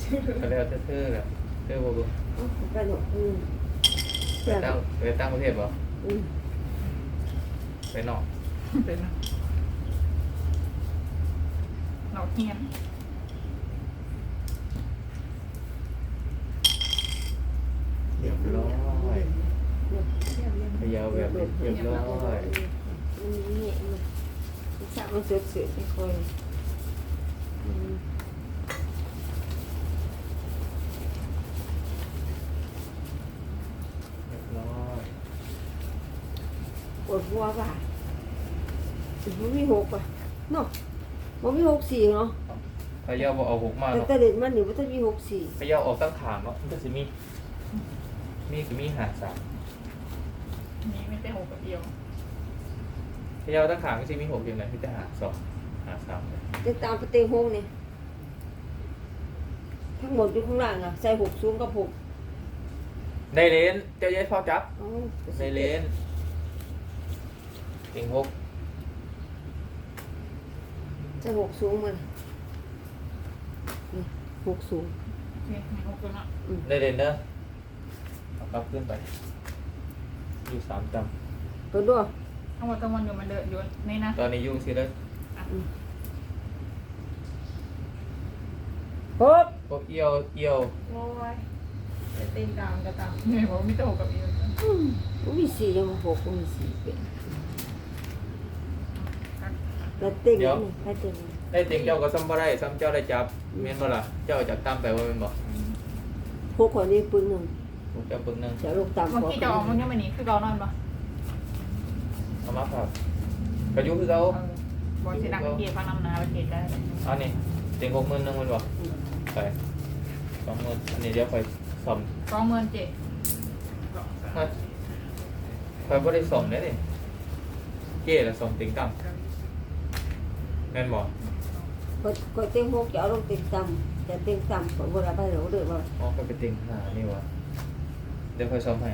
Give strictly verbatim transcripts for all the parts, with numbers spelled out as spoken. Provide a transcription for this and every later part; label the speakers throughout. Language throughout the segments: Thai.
Speaker 1: ก็แล้วแต่เธอแหละเธอบ่เบิ่ง
Speaker 2: เอาไปหนกอืม
Speaker 1: ไปตั้งไปตั้งประเทศบ่
Speaker 2: อืม
Speaker 1: ไปนอก
Speaker 3: เป็นหนอกเฮียน
Speaker 1: เรียบร้อย
Speaker 2: เดี๋ยวเดี๋ยวเดี๋ยว
Speaker 1: พยาวแบบนี้เรียบร้อย
Speaker 2: มันเงี้ยมันมันสักมันเสือกเสือกไม่ค่อยอืม
Speaker 1: เรียบร้อย
Speaker 2: ปวดหัวป่ะมันมีหกป่ะเนาะมันมีหกสี่เนาะ
Speaker 1: พยาวบ่เอาหกมา
Speaker 2: แต่
Speaker 1: เนาะ
Speaker 2: แต่เด็กมันนี่มันต้องมีหกสี่
Speaker 1: พยาวออกตั้งขางเนาะมันก็สิมีมีก็มีหาสาม
Speaker 3: นี่ไม่ได้หกกับเดียว
Speaker 1: พยาวตั้งขางก็สิมีหกอย่างไรที่จะหาสองหาสามเลย
Speaker 2: จะตามไปเตงหงเนี่ยทั้งหมดอยู่ข้างล่างอ่ะใส่หกสูงกับหก
Speaker 1: ในเลนเจ้าเย้พ่อจับ
Speaker 2: เอา
Speaker 1: ในเลนติงหก
Speaker 2: ใส่หกสูงมันนี่หกสูง
Speaker 3: โอเคมีหกตัวเนาะ
Speaker 1: ในเลนเด้อเอากลับขึ้นไปอยู่สามจ
Speaker 2: เปิดด้วย
Speaker 3: เอาวัตวันอยู่มันเดินอยู่นี่นะ
Speaker 1: ำตอนนี้ยุ่งสิเลย
Speaker 2: หก
Speaker 1: พวกเอี่ยวเอี่ยว
Speaker 3: โอ้ยเต็งตามก็ตามเนี่ยบอกมีแต่หกกับเดียว
Speaker 2: อืมมันมีสี่ยังมาหกมันมีสี่เป็นแล้วเต็งนี่ใครเต็งนี่
Speaker 1: ได้ติงเจ้าก็ซ้ำบ่ได้ซ้ำเจ้าได้จับเมียนบ่ล่ะเจ้าจะตั้มไปว่าเป็นบ่
Speaker 2: หกคนนี้ปืนหนึ่ง
Speaker 1: พวกเจ้าปึ้งหนึง
Speaker 2: จะลงตาม
Speaker 3: เมื่อกี้จะออกมันยังไม่หนีคือเรานอนปะ
Speaker 1: เอามาครับกระยุคือเขา
Speaker 3: บอลสีดังเกียร์ฟังนำนาประเทศได้
Speaker 1: อันนี้ติงหกหมื่นหนึงมันบ่ไปสองหมื่นอันนี้เดี๋ยวค่อยซ่อม
Speaker 3: สองหมื่นเจ็ด
Speaker 1: เฮ้ยค่อยบ่ได้ซ่อมเด้นี่เก้ละซ่อมติงตั้มแม่นบ่
Speaker 2: คนคนเต็งหกจะเอาลงเต็งต่ำจะเต็งต่ำคนโบราณไปหลงเดือดว่า
Speaker 1: อ๋อค่อยไปติงหานี่วะเดี๋ยวค่อยซ่อมให้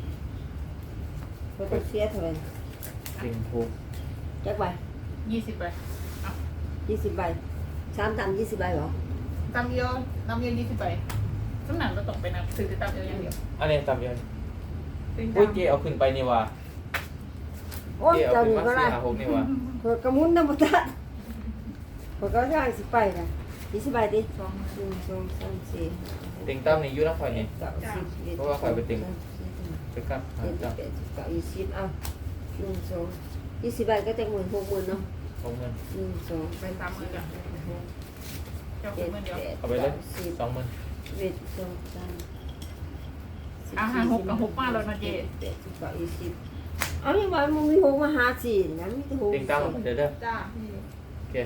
Speaker 2: เขาต้องเสียเท่าไหร่
Speaker 1: ติงหก
Speaker 2: จักใบ
Speaker 3: ยี่สิบไป
Speaker 2: ยี่สิบใบสามต่ำยี่สิบใบเหรอ
Speaker 3: ตามเดียวตามเดียวยี่สิบไปสำนักเราตกไปนะซื้อตามเดียวอย่างเดียว
Speaker 1: อันนี้ตามเดียว
Speaker 3: เต็ง
Speaker 1: อุ้ย
Speaker 3: ตาม
Speaker 1: เก้เอาขึ้นไปนี่วะ
Speaker 2: โอ้ย
Speaker 1: เก้เอา
Speaker 2: เจ้า
Speaker 1: ขึ้น
Speaker 2: นี่
Speaker 1: มา
Speaker 2: ก็
Speaker 1: สี่
Speaker 2: ได้
Speaker 1: หาหกนี่วะ
Speaker 2: เปิดกระมุนน้ำมันตัดเปิดก็ย่างสิไปนะยี่สิบใบดิ
Speaker 3: สองหมื่น
Speaker 2: หนึ่งสองสามสี่
Speaker 1: ติงตั้มนี่อยู่นครนี่
Speaker 2: เก้าสิบสิบเอ็ด
Speaker 1: เพราะว่าข่อยไปติ่ง
Speaker 2: สามสี่ห้า
Speaker 1: ไปครับหา
Speaker 2: เจ็ด
Speaker 1: ตั้ม
Speaker 2: แปดสิบเก้ายี่สิบเอาหนึ่งสองยี่สิบใบก็จะหมื่นหกหมื่นเนาะ
Speaker 1: หกหมื่น
Speaker 2: หนึ่งสอง
Speaker 3: ไปสามหมื่นจ้ะเจ้า
Speaker 2: เจ็ด
Speaker 3: หมื่นเดียว
Speaker 2: แปด
Speaker 1: เอาไปเลย
Speaker 2: สิบ
Speaker 1: สองหมื่น
Speaker 2: เอ็ดสองสามสิบ
Speaker 3: อาหารหกกับหกมาแล้วนะเจ
Speaker 2: แปดสิบเก้ายี่สิบเอาอย่างว่ามึงมีหกมาหาสี่นะมีแต่หก
Speaker 1: ติงตั้มเดี๋ยวเด้อ
Speaker 3: จ้า
Speaker 1: โอเค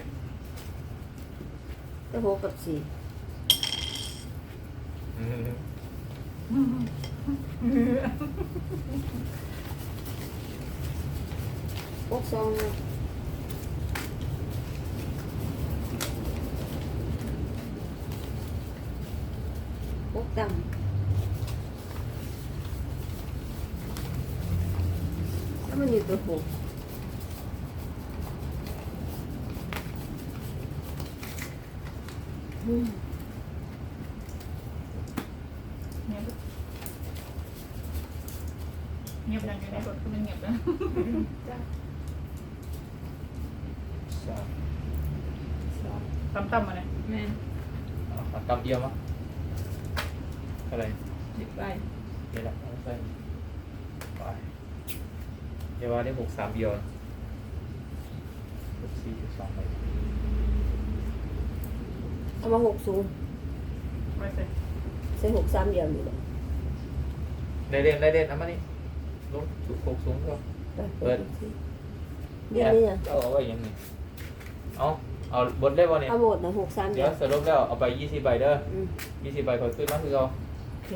Speaker 2: แต่หกกับสี่
Speaker 1: อืม
Speaker 2: หกสองนะหกต่ำถ้ามันอยู่ตัวหกอืม
Speaker 3: เงียบเงียบดังอยู่ในรถคือมันเงียบแล้ว
Speaker 1: สาม
Speaker 3: สามต่ำมาเลยแม่
Speaker 1: เอาเอาตั้มเอี่ยมมั้งอะไร
Speaker 3: สิบใบ
Speaker 1: นี่แหละเอาไปไปเดี๋ยวว่าได้หกสามเอี่ยมหกสี่จุดสองไป
Speaker 2: เอามาหกสูง
Speaker 3: ไปเสร็จ
Speaker 2: ใส่หกสามเดียวอยู่เลย
Speaker 1: ได้เด่นได้เด่นเอามานี่ลงสุดหกสูงก็
Speaker 2: ไปเปิดสิเดี๋ยวนี้อ่ะ
Speaker 1: เอาเอาไว้อยังไงเอาเอาบนได้บ่เนี่ย
Speaker 2: เอาหมดนะหกสามเดี
Speaker 1: เดี๋
Speaker 2: ย
Speaker 1: ยว วสรุปแล้วเอาไปยี่สิบใบเด้อ
Speaker 2: อืม
Speaker 1: ยี่สิบใบขอขึ้นมาคือเอา
Speaker 2: โอเค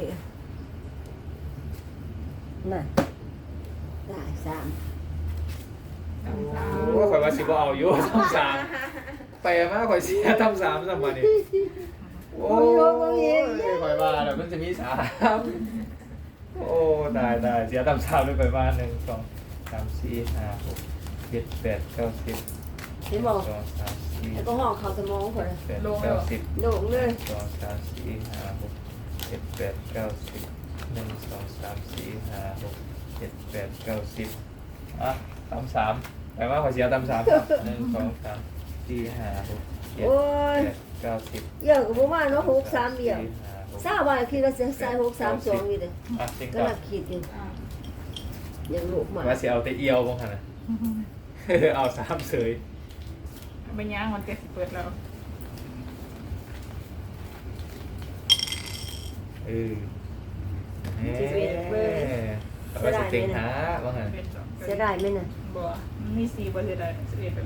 Speaker 2: น่ะได้สาม
Speaker 3: สามสาม
Speaker 1: ว่าข่อยว่าสิบ่เอาอยู่ ทำสามไปมาข่อยเสียทำสามสมานี่โอ้ยข่อยว่าแล้วมันจะมีสามโอ้ตายตายเสียทำสามเลยไปมาหนึ่งสองสามสี่ห้าหกเจ็ดแปดเก้าสิบ
Speaker 2: เห็นบอก
Speaker 1: สองสามสี่
Speaker 2: แล้วก็ห้องเขาสมองคน
Speaker 1: แปดเก้าสิบ
Speaker 2: โด่งเลย
Speaker 1: สองสามสี่ห้าหกเจ็ดแปดเก้าสิบหนึ่งสองสามสี่ห้าหกเจ็ดแปดเก้าสิบอ่ะตำสามแปลว่าขอเสียตำสามครับหนึ่งสองสามสี่ห้าหกเจ็ด
Speaker 2: โอ้ย
Speaker 1: แปดเก้าสิบ
Speaker 2: เยอะกับประมาณเนาะหกสามเดียว
Speaker 1: สี่ห้าหก
Speaker 2: ทราบว่าคิดว่าจะใส่หกสามสองนี่เลย
Speaker 1: อ่ะจริง
Speaker 2: ก็
Speaker 1: ก่อ
Speaker 2: นั
Speaker 1: น
Speaker 2: กคิดอยู่
Speaker 3: อ่า
Speaker 2: ยังลูกมา
Speaker 1: ว่าเสียเอาแต่เอียวบ้างค่ะนะ เอาสามเสย
Speaker 3: ไปย่างมันเกิดสิเปิดแล้ว
Speaker 1: เออเฮ้เอาไปสเต็งหาบ้างค่ะ
Speaker 3: เป็นสอง
Speaker 2: จะได้ไหมน่ะ
Speaker 3: บัวมีสี่บัวคืออะไรสิบเอ็ดแบบ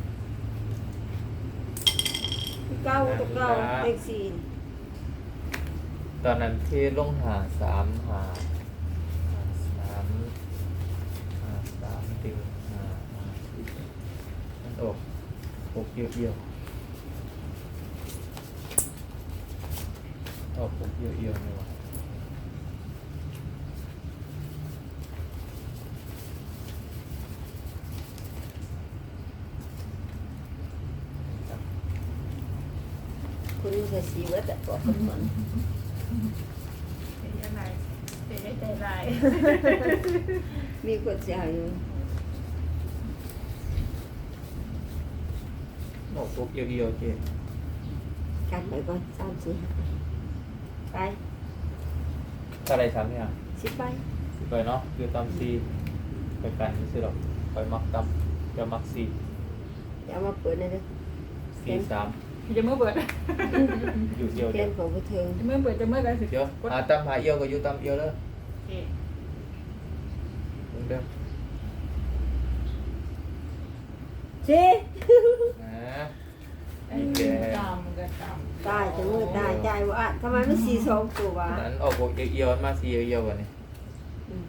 Speaker 2: เก้าตัวเก้าเลขสี่
Speaker 1: ตอนนั้นที่ลงหาสามหาหาสามหาสามติงหาหามันออกหกเอี่ยวเอี่ยวออกหกเอี่ยวเอี่ยวเลยวะ
Speaker 2: คุณใส่สีไว้แต่บอกคนเหมือน
Speaker 3: เป็นยังไงเป็นได้ใจลาย
Speaker 2: มีคนเสียอยู่
Speaker 1: ออกหกเอี่ยวเอี่ยวเจ๊
Speaker 2: กันไปก่อนสามสี่ห้าไป
Speaker 1: ถ้าอะไรสามเนี่ย
Speaker 2: สิบไป
Speaker 1: ไปเนาะคือตำซีไปกันไม่ใช่หรอกไปมักตำจะมักซี
Speaker 2: อย่ามาเปิดเลยเด้อ
Speaker 1: ซีสาม
Speaker 3: จะเมื่อเปิด
Speaker 1: อยู่เดียว
Speaker 2: เที
Speaker 1: เดี
Speaker 2: ย
Speaker 1: ย
Speaker 2: น
Speaker 1: ว
Speaker 2: ของผู้เทิง
Speaker 3: จะเมื่อเปิดจะเมื่อกันสิ
Speaker 1: เดี๋ยวหาตำหาเอี่ยวก็อยู่ตำเอี่ยวเลย
Speaker 3: โอเค
Speaker 1: มึงเด้อ
Speaker 2: สิ
Speaker 1: นะ
Speaker 3: ไอ้ตามกันตาม
Speaker 2: ตายจะมือตายใจว่าทำไมไม่สี่สองตัววะ
Speaker 1: นั้นออกหกเอี่ยวๆมาซีเอี่ยวๆกันนี่
Speaker 2: อืม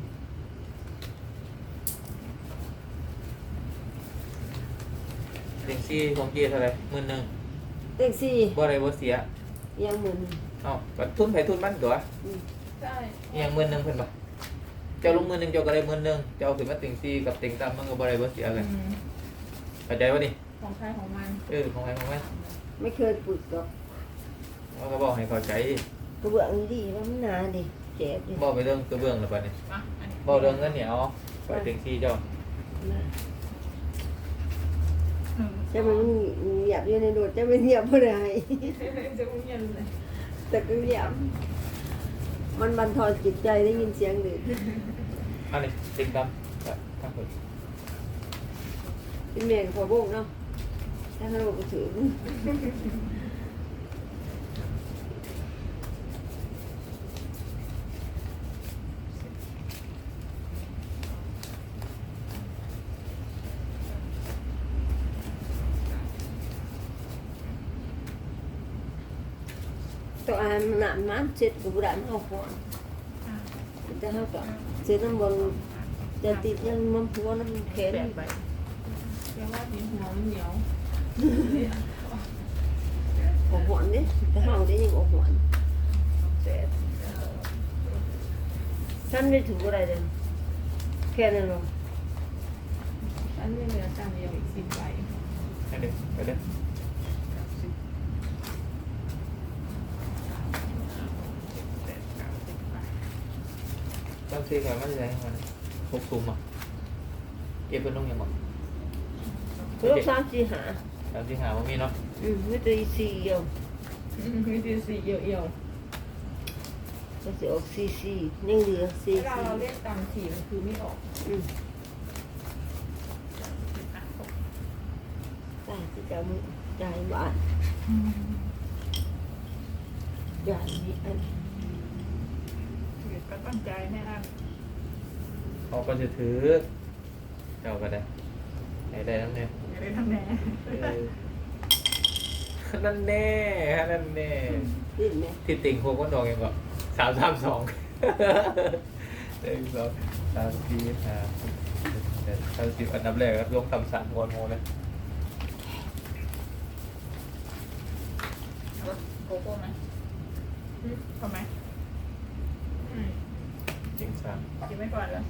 Speaker 1: เต็งซีของเกียร์เท่าไหรหมื่นหนึ่ง
Speaker 2: เลขสี่
Speaker 1: บ่อะไรบ่เสีย
Speaker 2: ยังหมื่น
Speaker 1: เอ้าก็ทุนไผทุนมันตัว
Speaker 2: อืม
Speaker 3: ใช่
Speaker 1: อิหยังหมื่นหนึ่งเพิ่นบ่เจ้าลงหมื่นหนึ่งเจ้าก็ได้หมื่นหนึ่งเจ้าขึ้นมาเต็งซีกับเต็งตำมันก็บ่อะไรบ่เสียกันเข้าใจป่ะนี่
Speaker 3: ของใครของมัน
Speaker 1: เออของใครของมัน
Speaker 2: ไม่เคยปลุกหรอก
Speaker 1: เขาก็บอกให้เข้าใจ
Speaker 2: กระเบื้องดีว่ามันหนาดิเจ็บดิ
Speaker 1: บอกไปเรื่องกระเบื้องแล้วป่ะนี่
Speaker 3: อ่ะอันนี้
Speaker 1: บอกเรื่องเงินเหนียวไปเต็งซีเจ้า
Speaker 2: นะ
Speaker 3: หนึ่ง
Speaker 2: จะมันเหยียบอยู่ในโดดจะไม่เหยียบไม่ได้
Speaker 3: จะมุ่งยันเลย
Speaker 2: แต่ก็เหยียบมันบันทอนจิตใจได้ยินเสียงเด็ก
Speaker 1: อันนี้เต็งตำครับทั้งหมด
Speaker 2: เป็นเมนขอโบกเนาะถ้าเขาบอกถือ ตัวอันหนามน้ำเจ็ดกับบุหรี่เอาหัวจะเขาก็เจ็ดน้ำบนจะติดยังมันหัวน้ำแข็ง
Speaker 3: แปดใบแปลว่าดินหัวมันเหนียว
Speaker 2: ออกหัวนี่แต่เขาได้ยังออกหัว
Speaker 3: เจ็ด
Speaker 2: ฉันไม่ถูกอะไรเลยแค่นั้นหรอก
Speaker 3: อันนี้เหลือจานเดียวอีกสิบใบ
Speaker 1: ไปเด้อไปเด้อตำซีก่อนมันจะได้มันหกซุ่มอ่ะเก็บเป็นน้องยังบ่
Speaker 2: ลูกสามสี่หา
Speaker 1: ตำซีหาว่ามีเนาะ
Speaker 2: อืมไม่ตีสี่เดียว
Speaker 3: มีดีสี่เอี่ยว
Speaker 2: ก็จะออกสี่สี่ยังเหลือ
Speaker 3: ๆ
Speaker 2: สี่
Speaker 3: เวลา
Speaker 2: สี่
Speaker 3: เราเล่นตามสี่มันคือไม่ออก
Speaker 2: อืมตายที่จะไม่ใจบ้านใหญ่มีอัน
Speaker 3: ก็ตั้งใจแน่น
Speaker 1: เขาก็จะถือเจ้าก็ได้ให้ได้นั่นเนี่ย
Speaker 3: อย่าได้ทำแน่
Speaker 1: เออนั่นแน่นั่นแน่
Speaker 2: ดิ้นไหม
Speaker 1: ที่ติ่งโคก็ดองยังก็สามสามสองหนึ่งสองสามสี่ห้าหกเจ็ดแปดเก้าสิบอันดับแรกครับลงต่ำสามโมโมเลย
Speaker 3: โกโก้ไหมทำไหม
Speaker 1: จริงสาม
Speaker 3: กินไม่ก่อนแล้ว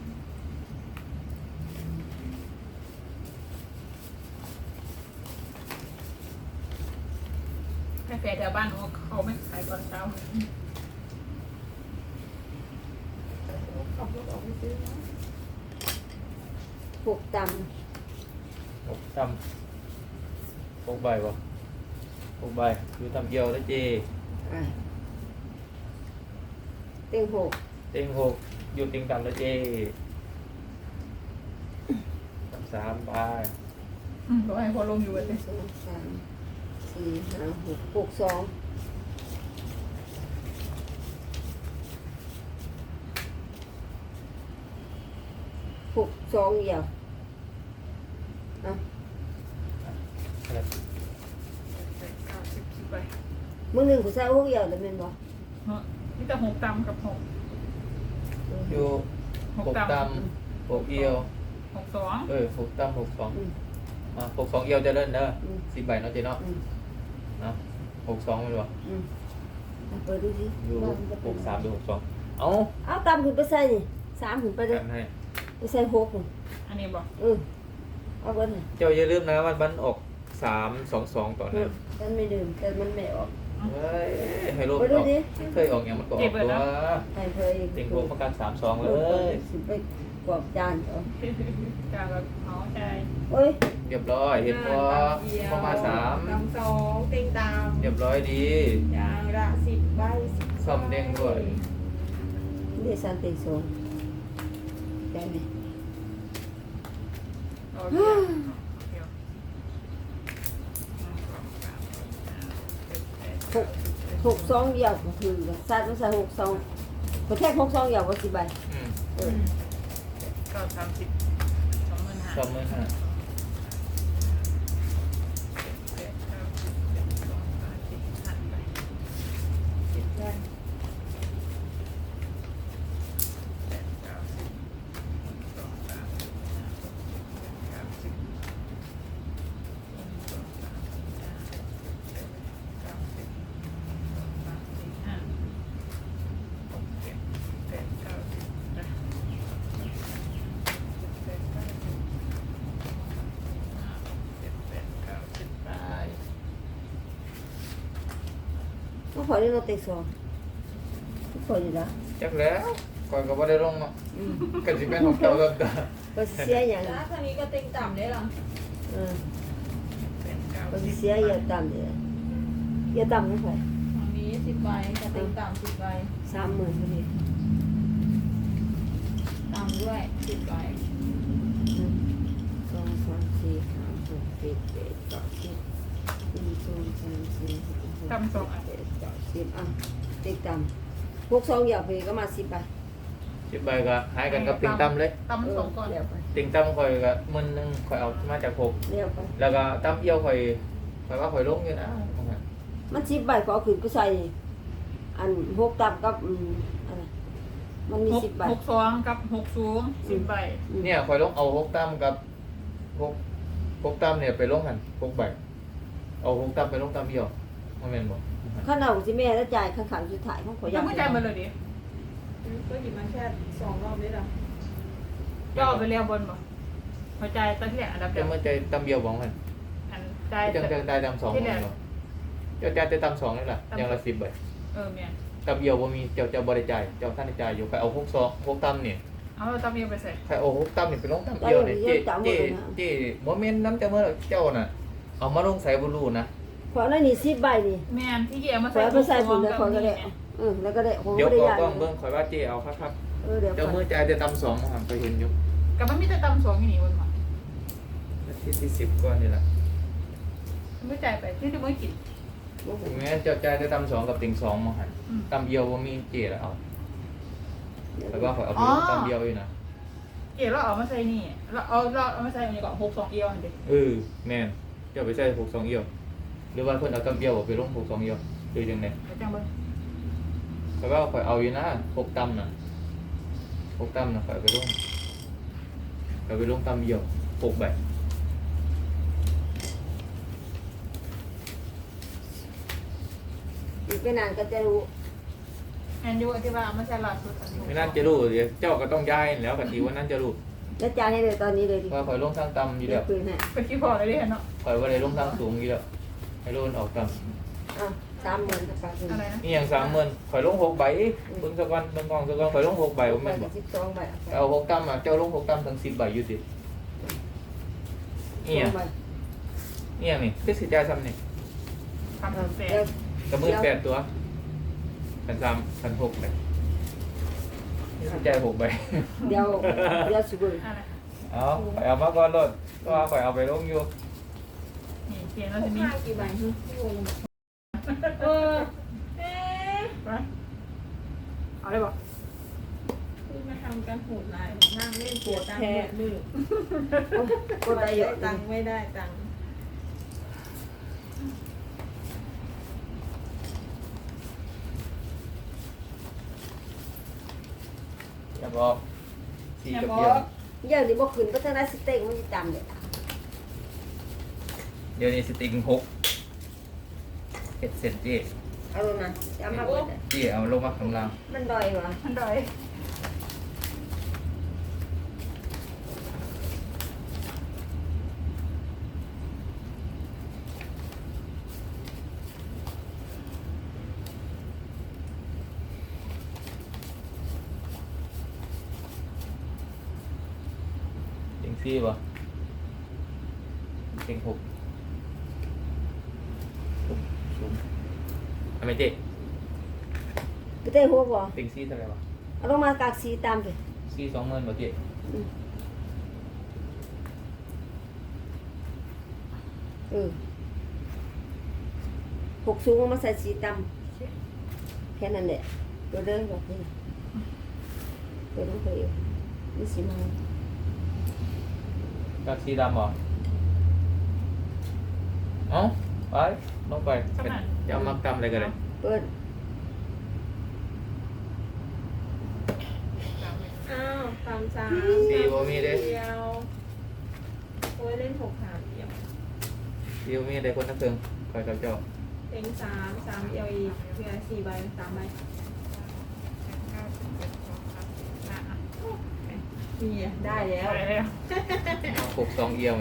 Speaker 3: แฟแถวบ้านเขาเขาไม่ขายตอนเช้า
Speaker 4: ขับรถออกไปซื้อนะ
Speaker 2: หกต่
Speaker 1: หกตำหกใบบ่หกใบอยู่ตำเอียวแล้วเจ
Speaker 2: ำอ่ะเต็งหก
Speaker 1: เต็งหกอยู่เต็งตำแล้วเจตำสามใบ
Speaker 3: อืมบอกให้พอลงอยู่
Speaker 2: ห
Speaker 3: เลย
Speaker 2: นึ่งสองสามสี่ห้าหกหกสองหกสองเดียวอ่ะ
Speaker 1: อะไร
Speaker 3: เก้าสิบสิบใบ
Speaker 2: มึงหนึ่งกูใส่หกเดียวแต่เป็นบ่
Speaker 3: เนาะนี่แต่หกตำกับหก
Speaker 1: อยู่
Speaker 3: หก
Speaker 1: หก
Speaker 3: ตำ
Speaker 1: ตำหกเอียว
Speaker 3: หกสอง
Speaker 1: เออหกตำหกสอง
Speaker 2: อืม
Speaker 1: มาหกสองเอียวจะเล่นเด้อ
Speaker 2: อืม
Speaker 1: สิบใบเนาะเจเนาะ
Speaker 2: อืม
Speaker 1: เนาะหกสองมันบ่
Speaker 2: อืมเอาเปิดดูสิ
Speaker 1: อยู่
Speaker 2: ว่ามันจะ
Speaker 1: ห
Speaker 2: เป็น
Speaker 1: กสามดูหกสองเอ้า
Speaker 2: เอาตามขึ้นไปใส่นี่สามขึ้นไปเลย
Speaker 1: กันให้
Speaker 2: ไปใส่หกนี่
Speaker 3: อันนี้บอก
Speaker 2: เออเอาเบิดให้
Speaker 1: เจ้าอย่าลืมนะวันบันออกสามสองสองต่อ
Speaker 2: เอ
Speaker 1: นะ
Speaker 2: อฉันไม่ดื่มแต่มันไม่ออก
Speaker 1: เฮ้ยให้ลม
Speaker 2: ไป
Speaker 1: อ
Speaker 2: ดู
Speaker 1: อก
Speaker 2: ดิ
Speaker 1: เคยออกอย่างมันก็ออกตัว
Speaker 2: ให้เคย
Speaker 1: ติงโกประกันสามสองเลย
Speaker 2: สิไปกรอบจานเอา
Speaker 3: จางกับเขาใจ
Speaker 2: โอ้ย
Speaker 1: เรียบร้อยเห็นพอประมาณสาม
Speaker 4: ตำสองเต็งตาม
Speaker 1: เรียบร้อยดี
Speaker 4: ยางละสิบใบ
Speaker 1: ซ่อมเด้งด้วย
Speaker 2: เดี๋ยวสันติสองได้ไหม
Speaker 3: โอเคเดี๋ยว
Speaker 2: หกหกสองเดียวก็คือใส่ไม่ใส่หกสองก็แค่หกสองเดียวก็สิบใบ
Speaker 1: อืม
Speaker 2: เออ
Speaker 3: ก็สามสิบสองหมื่นห้า
Speaker 1: ซ่อมมือห้า
Speaker 3: เจ็ดเก้าสิบเจ็ดสองสามสี่ห้าไป
Speaker 4: สิบใบ
Speaker 3: แปดเก้าสิบสองสามสี่ห้าหกเจ็ดแปดเก้าสิบหนึ่งสองสามสี่ห้าหกเจ็ดแปดเก้าสิบสองสามสี่ห้าหกเจ็ดแปดเก้าสิบนะเจ็ดแปดเก้าสิบห้าหกเจ็ดแปดเก้าสิบไป
Speaker 2: ก็ขอได้รถเต็กสองก็ขออยู่แล้ว
Speaker 1: จักแล้วก่อนก็บ่ได้ลงเนาะ
Speaker 2: อืม
Speaker 1: กันสิเป็นของเจ้าเริ่มต้น
Speaker 2: ก็สิเสียอย่าง
Speaker 4: แล้วทางนี้ก็เต็งต่ำได้หรอ
Speaker 2: เออ
Speaker 3: เป็นเก้า
Speaker 2: ก็
Speaker 3: สิ
Speaker 2: สิ
Speaker 3: บ
Speaker 2: เสียอย่าต่ำเดียวอย่าต่ำไม่ค่อย
Speaker 4: ทางนี้สิบใบกับเต็งต่ำสิบใบ
Speaker 2: สามหมื่นพอดี
Speaker 4: ต่ำด้วยสิบใบ
Speaker 2: หนึ่งสองสามสี่ห้าหกเจ็ดแปดเก้าสิบหนึ่งสองสามสี่ห้าหกเจ็ดแปดเก้าสิบอ่ะเต็กต่ำหกสองเดียวไปก็มาสิบใบ
Speaker 1: สิบใบก็หายกันกับติงตั้มเลย
Speaker 3: ตำสองก่อน
Speaker 2: เดี๋ยวไป
Speaker 1: ติงตั้มข่อยก็หมื่นหนึงข่อยเอามาจากหก
Speaker 2: เดี๋ยวไป
Speaker 1: แล้วก็ตั้มเอียวข่อยข่อยว่าข่อยลงอยู่นะ
Speaker 2: มันสิบใบก็เอาขึ้นไปใส่อันหกต่ำกับอืมอะไรมันมี
Speaker 3: หก
Speaker 2: สิบใบ
Speaker 3: หกสองกับหกสูงสิบใบ
Speaker 1: เนี่ยข่อยลงเอาหกตั้มกับหกหกตั้มเนี่ยไปลงกันหกใบเอาหกตั้มไปลงตั้มเอียวมาแม่นบ่
Speaker 2: ข้าวเหนียวสิแม่แล้วจ่ายข้างขังสุดท้ายของขอ
Speaker 3: ยั
Speaker 2: ยาง
Speaker 3: ไม่ใจายมาเลยดิ
Speaker 4: ก็หยิบมาแค่สองรอบได้หรอ
Speaker 3: ย่อไปแล้วบนบ่พอใจายตอนที่แรกอันดับเดี
Speaker 1: จะ
Speaker 3: ยว
Speaker 1: มาใจตั้มเอียวบ่มัน
Speaker 3: อันใจาย
Speaker 1: จังจังได้ตั้มสองบ่เนาะเจ้าจ่ายแต่ตั้มสองนี่ล่ะอย่างละสิบใบ
Speaker 3: เออเมีย
Speaker 1: ตั้มเอียวบ่มีเจ้าเจ้าบ่ได้จ่ายเจ้าท่านได้จ่ายอยู่ใครเอาหกสองหกตั้มเนี่ย
Speaker 3: เอาตำเมียไปใส่
Speaker 1: ใครเอาหกตั้มนี่ไปลงตั้มเอียวเนี่ยเจ๊เจ๊เจ๊บ่แม่นน้ำเจ้าเมื่อเจ้าน่ะเอามาลงใส่บ่รู้นะ
Speaker 2: ขอแล้วนี่สิบใบนี่
Speaker 3: แม่นที่เกี่ยวมา
Speaker 2: ขอ
Speaker 3: ใส่
Speaker 2: เอาไปใส่ถุง
Speaker 3: กั
Speaker 2: แล้วขอก็ได้
Speaker 3: นี่
Speaker 2: เออแล้วก็ได้ผม
Speaker 1: เดี๋ยว
Speaker 2: ก็ได้
Speaker 1: ก็
Speaker 2: ยา
Speaker 1: ต้องเบิ่งข่อยว่าเจ๊เอาครับ
Speaker 2: เออเดี๋ยว
Speaker 1: ๆเจ้า
Speaker 2: ก่อน
Speaker 1: มือจ่ายแต่ตั้มสองมาหันไปเห็นอยู่
Speaker 3: กับมันมีแต่ตำสองอยู่นี่บนมา
Speaker 1: ที่ที่สิบก่อนนี่ล่ะ
Speaker 3: ไม่จ่ายไปที่ที่ไม่กิน
Speaker 1: ถึงแม้เจ้าจ่ายแต่ตั้มสองกับติ่งสองมาหัน
Speaker 3: อืม
Speaker 1: ตั้มเอียวบ่มีเจ๊แล้วเอาแล้วก็ข่อยเอาไปลงตั้มเอียวอยู่นะ
Speaker 3: เกี่ยวเราเอามาใส่นี่เราเอาเราเอามาใส่อันนี้ก่อนหกสองเอียวอันเดียว
Speaker 1: เออแม่นเจ้าไปใส่หกสองเอียวหรือว่าเพิ่นเอาตั้มเอียวไปลงหกสองเอียวคือจังได๋
Speaker 3: เดี๋ยวจังเบิ้ง
Speaker 1: ข่อยว่าข่อยเอาอยู่นะหกตั้มน่ะหกตั้มน่ะข่อยเอาไปลงข่อยไปลงตั้มเอียวหกใบ
Speaker 2: อีกไม่นานก็จะรู้
Speaker 3: แอนยูที่ว่าเอามาใส่ล่าสุดอันนี้
Speaker 1: ไม่น่าจะรู้เดี๋ยวเจ้าก็ต้องย้ายแล้วกันทีว่านั่นจะรู้
Speaker 2: แล้วจ่ายให้เลยตอนนี้เลยดิ
Speaker 1: ว่าข่อยลงทางต่ำอยู่แล้ว
Speaker 2: ปืนให้
Speaker 3: เป็นขี้พอเลยเด้เนาะ
Speaker 1: ข่อยว่าได้ลงทางสูงอยู่แล้วให้โลนออกต่
Speaker 2: อ่ะสามหมื่นกับปากหนึ่ง
Speaker 3: อะไรนะ
Speaker 1: นี่อย่างสามหมื่นข่อยลงหกใบเบิ่งสักวันเบิ่งกองสักวันข่อยลงหกใบผม
Speaker 2: ไป
Speaker 1: แม่นบ่
Speaker 2: สิบสองใบ
Speaker 1: เอาหกตั้มอ่ะเจ้าลงหกตั้มทั้งสิบใบอยู่สินี่อย่างนี่อย่างนี่คือสิจ่ายซ้ำนี่
Speaker 3: ทำเสร็จ
Speaker 1: กับมือแปดตัวพันสามพันหกเลยนี่สิจ่ายหกใบ
Speaker 2: เดี๋ยวเดี๋ยวสิบ
Speaker 3: อะไร
Speaker 1: เอาข่อยเอามาก่อนรถก็ข่อยเอาไปลงอยู่
Speaker 3: นี่เปลี่ยนแล้วที
Speaker 4: มี
Speaker 3: นี้
Speaker 4: กี่ใบฮึเออเอ๊ะ
Speaker 3: ไปเอาได้ปะ
Speaker 4: คือมาทำกันโหดร้ายนั่งเล่นปวดตังค์หมดมือ
Speaker 2: ก็ได้เยอะ
Speaker 4: ตั
Speaker 2: ตั
Speaker 4: ง
Speaker 2: ง
Speaker 4: ค์ไม่ได้ตังค์
Speaker 1: อย่าบอกสี่กับเดียว
Speaker 2: เยอะนี่บ่ขึ้นก็ทางด้านสเต็กมันจะจำเลย
Speaker 1: เดี๋ยวนี้สติงหกเห็ดเสร็จเจ๊
Speaker 2: เอาลงนะจะเอามาเปิด
Speaker 1: เจ๊เอาลงมาข้างล่าง
Speaker 2: มันดอยวะ
Speaker 3: มันดอย
Speaker 1: เต็งสี่ป่ะเต็งหกหกสูงทำไมเจ๊
Speaker 2: ไปเต้หัวบ่
Speaker 1: เต็งสี่เท่าไหร่วะ
Speaker 2: เอาลงมากากสีตามไป
Speaker 1: สี่สองหมื่นป่ะเจ๊
Speaker 2: เออหกสูงมาใส่สีตำแค่นั้นแหละตัวเดินแบบนี้ตัวต้องเคยนี่สิมา
Speaker 1: กับสีดำเหรอเอ้าไปลงไปเป็นจะเอามักตำอะไรกันเลย
Speaker 2: เปิด
Speaker 4: อ้าวสามสาม
Speaker 1: สี่บ่มีเด้
Speaker 4: เดียวโอ้ยเล่นหกหาเดียว
Speaker 1: สี่บ่มีได้คนนักเติงคอยกับเจ้า
Speaker 4: เต็งสามสามเอียวอีกเพื่อสี่ใบสามใบนี่ไงได้แล้ว
Speaker 3: ได้แล้ว
Speaker 1: เอาหกสองเอียวไง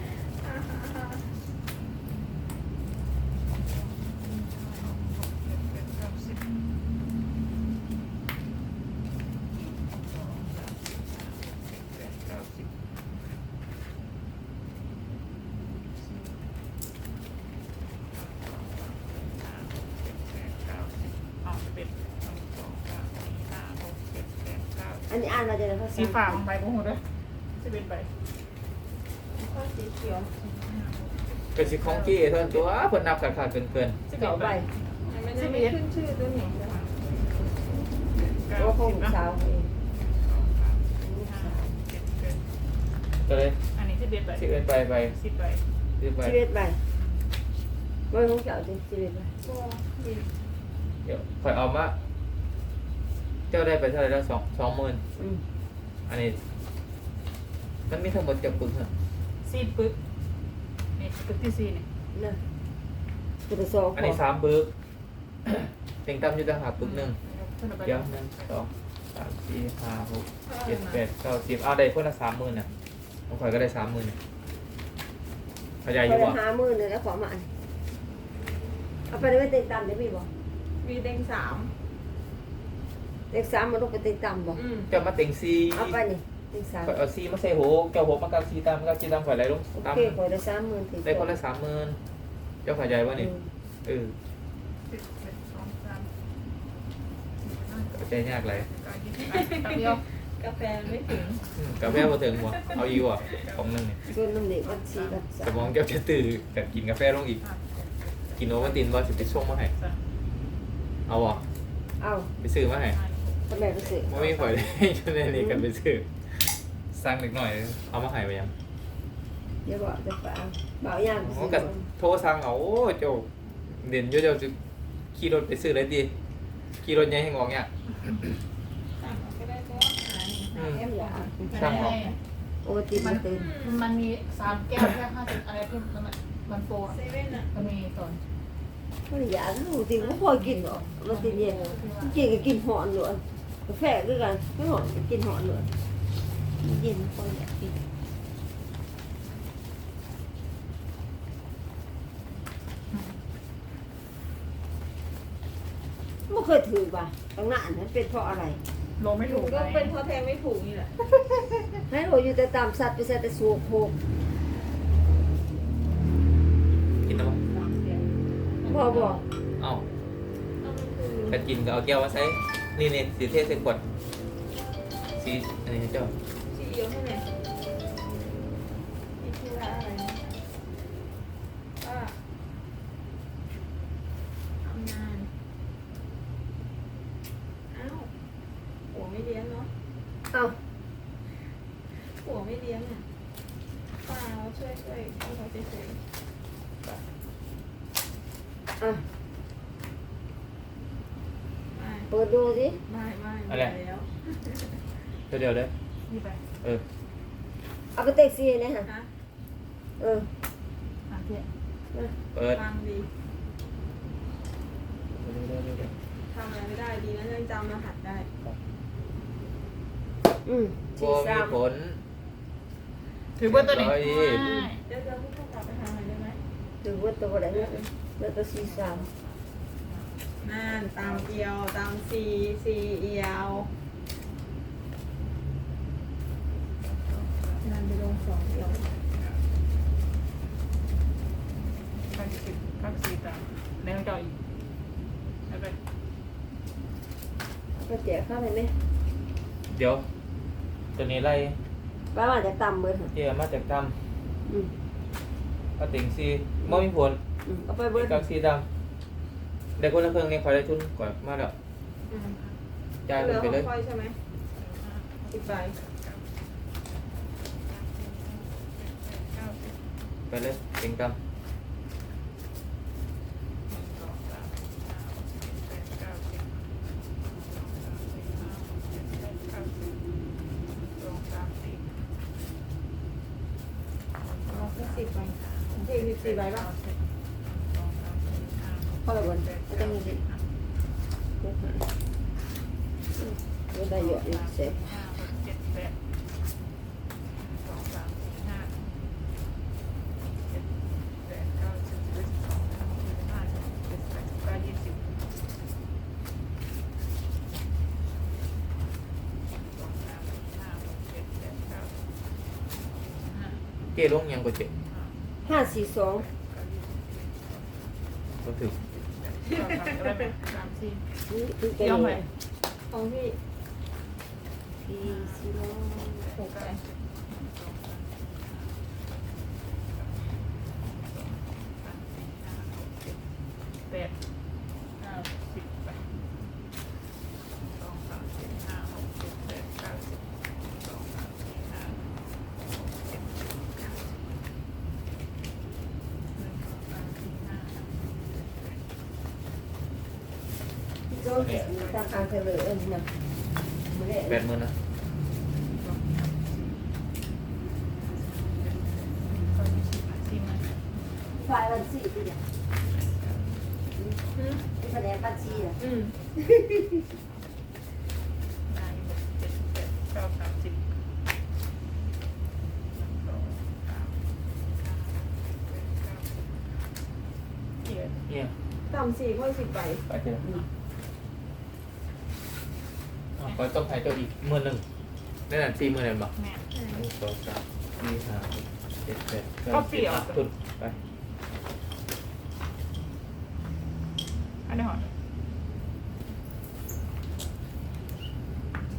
Speaker 3: เอาเป็ดสองสองสามสี่ห้าหกเจ็ดแปดเก้า
Speaker 2: อันนี้อ่านเราจะได้ภาษา
Speaker 3: สีฟ้าของใบกูหมดเลยสิบเอ็ดใบ
Speaker 4: ข้อสีเขียว
Speaker 1: เป็นสิของจี้เท่านั้นตัวเพิ่นนับขาดขาดเกินเกิน
Speaker 3: สิบ
Speaker 2: เก่า
Speaker 3: เอ็ด
Speaker 2: ใบ
Speaker 3: ใบ
Speaker 4: มันจะไม่ขึ้นชื่อตัวหนึ่งนะคะ
Speaker 3: เก้า
Speaker 2: ตัวของ
Speaker 3: สิบ
Speaker 2: ลูก
Speaker 3: นะ
Speaker 2: สาวเอง
Speaker 3: สองสามสี่ห้าหกเจ็ดแปด
Speaker 1: ก็เลย
Speaker 3: อันนี้สิบเอ็ดใบ
Speaker 1: สิบเอ็ดใบไป
Speaker 3: สิบใบ
Speaker 1: สิบใบ
Speaker 2: ชีวิตใบไม่ของเจ้าจริงชีวิตใบ
Speaker 4: ก็มี
Speaker 1: เดี๋ยวข่อยเอามาเจ้าได้ไปเท่าไหร่แล้วสองสองหมื่น
Speaker 2: อืม
Speaker 1: อันนี้ มันมีทั้งหมดจับปึกฮะ
Speaker 3: ซีดปึ๊กนี่ปึ๊กที่สี่นี่
Speaker 2: นะตัวสอง
Speaker 1: อันนี้สามปึก เต็งตั้มอยู่ต่างหากปึกหนึ่งเดี๋ยวหนึ่งสองสามสี่ห้าหกเจ็ดแปดเก้าสิบเอาได้คนละสามหมื่นน่ะของข่อยก็ได้สามหมื่นเข้าใจ
Speaker 2: ไป
Speaker 1: อยู่
Speaker 2: เลย
Speaker 1: บ่
Speaker 2: หามือเลยแล้วขอมาอันเอาไปเลยไปเต็งตำได้พี่บอก
Speaker 4: มีเต็งสาม
Speaker 2: เต็งสามมันต้องไปเต็งตำบอก
Speaker 4: อืม
Speaker 1: เจ้ามาเต็งสี่
Speaker 2: เอาไปนี่เต็งสาม
Speaker 1: ข่อยเอาสี่มาใส่หัวเจ้าหัวมากับสี่ตามกับสี่ตามข่อยอะไรลง
Speaker 2: โอ
Speaker 1: ตาม
Speaker 2: เคขอได้สามหมื่นถึง
Speaker 1: ได้คนละสามหมื่นเจ้าเข้าใจว่านี่เออ
Speaker 3: สิบเอ็ดสองสาม
Speaker 1: เข้าใจยากเลย
Speaker 3: เก้ายี่สิบอ่ะแป๊บเดียว
Speaker 4: กาแฟไม่ถึง
Speaker 1: อืมกับแม่มาถึงหัวเอาอีกว่ะของหนึงนี่
Speaker 2: ส่วนน้ำเด็กมันสี่กับสา
Speaker 1: ส
Speaker 2: ม
Speaker 1: มองเจ้าจะตื่นแต่กินกาแฟลงอีก
Speaker 3: อ่ะ
Speaker 1: กินโอวัลตินว่าจะไปส่งมาให้
Speaker 3: สาม
Speaker 1: เอาอ่ะ
Speaker 2: เอา
Speaker 1: ไปซื้อมาให้
Speaker 3: ห้าหก
Speaker 2: ทำไมไปซื้อ
Speaker 1: ไม่มีข่อยเลยจนนี่กันไปซื้อสั่งเล็กหน่อยเอามาให้ไปยัง
Speaker 2: เดี๋ยวบอกจะไปเอาเบาย่างไป
Speaker 1: อ๋อ
Speaker 2: ซื้อ
Speaker 1: กับโทรสั่งเอาโอ้เจ้าเด่นอยู่เจ้าจะขี่รถไปซื้อเลยดีขี่รถใหญ่ให้งอกเนี่ย
Speaker 4: สั่งก็ได้ก็หา
Speaker 1: อืม
Speaker 2: แอมอยาก
Speaker 1: ช่างหรอก
Speaker 2: โอติมันตื่น
Speaker 3: มันมีสามแก้วแค่ห้าสิบอะไรที่มันมันโฟร์
Speaker 4: เซเว่นอ่ะ
Speaker 3: มันมีตอน
Speaker 2: ไม่อยากโอติมันพอกินหรอกมันติเย็นกินก็กินหอนหนวดกาแฟด้วยกันไม่หอนก็กินหอนหนวดเย็นพออยากกินเคยถือป่ะตั้งนานนั้นเป็นเพราะอะไร
Speaker 3: ลงไม่ถูก
Speaker 4: ก็
Speaker 3: ไง
Speaker 4: เป็นเพราะแทงไม่ถูกนี่แหละ
Speaker 2: ให้โหอยู่แต่ตามสัตว์ไปใส่แต่สูบโคก
Speaker 1: กินแล้ว
Speaker 2: พอบอก
Speaker 1: เอ้า
Speaker 4: เอามันคือ
Speaker 1: กันกินก็เอาแก้วมาใส่นี่นี่สีเทศใส่ขวดสีอันนี้ให้เจ้า
Speaker 4: ซีอิ๊วให้ไหมนี่คืออะไรนะว่าทำงานอ้าวหัวไม่เลี้ยงเนาะ
Speaker 2: เอ้า
Speaker 4: หัวไม่เลี้ยงอ่ะเปล่าช่วยช่วยให้เขาเฉย
Speaker 2: อ่ะ
Speaker 4: ๆไม่
Speaker 2: เปิดดูสิ
Speaker 4: ไม่ไม่
Speaker 1: อะไร
Speaker 4: ม่แล้ว
Speaker 1: เดี๋ยวเดี๋ยวเด้อ
Speaker 3: นี่ไป
Speaker 1: เออ
Speaker 2: เอาไปเต็กซี่เนี่ยฮะ
Speaker 4: ฮะ
Speaker 2: เออ
Speaker 3: หาเที่ย
Speaker 1: เปิด
Speaker 4: ฟังดี
Speaker 1: เดี๋ยวเดี๋ยวเดี๋ยวเดี๋ยว
Speaker 4: ทำอะไรไม่ได้ดีนะยังจำรหัสได้
Speaker 2: อืม
Speaker 1: โบ
Speaker 2: สี่
Speaker 1: มี
Speaker 2: สาม
Speaker 1: ผล
Speaker 3: ถือว่าตัวนี้
Speaker 1: ร้อยยี่สิบ
Speaker 3: ไม่
Speaker 4: เดี๋ยวจะพูดกลับไปทางไหนได้ไหม
Speaker 2: ถือว่าตัวอะไรเนี่ยแล้วตัวสี่สาม
Speaker 4: นั่นตามเอียวตามซีซีเอียวนั่นไปลงสองเอียว
Speaker 3: เก้าสิบเก้าสิบต่างในห้องเจ้าอีกเอาไป
Speaker 2: ก็แจกเข้าไปไหม
Speaker 1: เดี๋ยวตัวนี้ไล่
Speaker 2: ป้าว่าจะต่ำเบิดค่ะ
Speaker 1: เกี่ยมาจากต
Speaker 2: อืม
Speaker 1: ำก็ติงซีบ่มีผล
Speaker 2: อืมเอาไปเบิด
Speaker 1: กับซีดำเด็กคนละเครื่องนี้คอยได้ทุนก่อนมาแล้ว
Speaker 4: อืม
Speaker 1: จ่าย
Speaker 4: เห
Speaker 1: มั
Speaker 4: ลื
Speaker 1: น
Speaker 4: อ
Speaker 1: ไป
Speaker 4: ข
Speaker 1: เล
Speaker 4: อย งคอยใช่ไหมสิบใบ
Speaker 3: เก้าสิบ
Speaker 1: ไปเลยติงต
Speaker 3: สองสามสี่ห้าหกเจ็ดแปดเก้าสิบสองสามสี่ห้าหกเจ็ดแปดเก้าสิบสองสามสี่
Speaker 4: เอาแค่สิบใบเองสิบสี่ใบป่ะ
Speaker 3: สองสามสี่ห้าหก
Speaker 2: พอแล้วบนก็ต้องมีสิเบิดหาเบิดได้เยอะอยู่เสร็จ
Speaker 3: ห้าหกเจ็ดแปดสองสามสี่ห้าเจ็ดแปดเก้าสิบสิบเอ็ดสิบสองสิบสามสิบสี่สิบห้าสิบหกสิบเจ็ดสิบแปดสิบเก้ายี่สิบสองสามสี่ห้าหกเจ็ดแปดเก้าสิบห้า
Speaker 1: ำเกี่ยลงยังกว่าเจ็ด
Speaker 2: ห้าสี่สอง
Speaker 1: ก็ถึง
Speaker 3: สองสามอะไรเป็นสามสี่
Speaker 2: นี่คือเป็น
Speaker 3: เดี๋ยวไหม
Speaker 4: ของพี่
Speaker 2: สี่สี่ร้อย
Speaker 4: หกใบ
Speaker 3: แปดเก้าสิบไปสองสามสี่ห้าหกเจ็ดแปดเก้าสิบสองสามสี่ห้าหกเจ็ดแปดเก้าสิบหนึ่งสองสามสี่ห้าหกเจ็ดแปด
Speaker 2: โจ้เห็นตามการเฉลยเอ็นนะไม่ได้
Speaker 1: แปดหมื่นนะ
Speaker 3: สองสามสี่เก้ายี่สิบอ่ะสี่หมื่น
Speaker 2: ไฟวันสี่ที่เนี่ย
Speaker 4: อืม
Speaker 2: ที่แผนกบัญชีอ่ะ
Speaker 4: อืม
Speaker 3: ห้าหกเจ็ดแปดเก้าสามสิบสองสามห้าแปดเก้าสิบเจ็ด
Speaker 1: เนี่ย
Speaker 4: ต่ำสี่ค่อยสิบใบ
Speaker 1: ไปเจออ้าวคอยต้องให้เจ้าอีกหมื่นหนึ่งได้หนังสี่หมื่นเลยบ่
Speaker 3: แม่
Speaker 1: หนึ่งสองสามสี่ห้าหกเจ็ดแปดเก้า
Speaker 3: ก็
Speaker 1: สิบ
Speaker 3: เปลี่ยว
Speaker 1: อ่ะทุนไป
Speaker 3: อันนี้หอ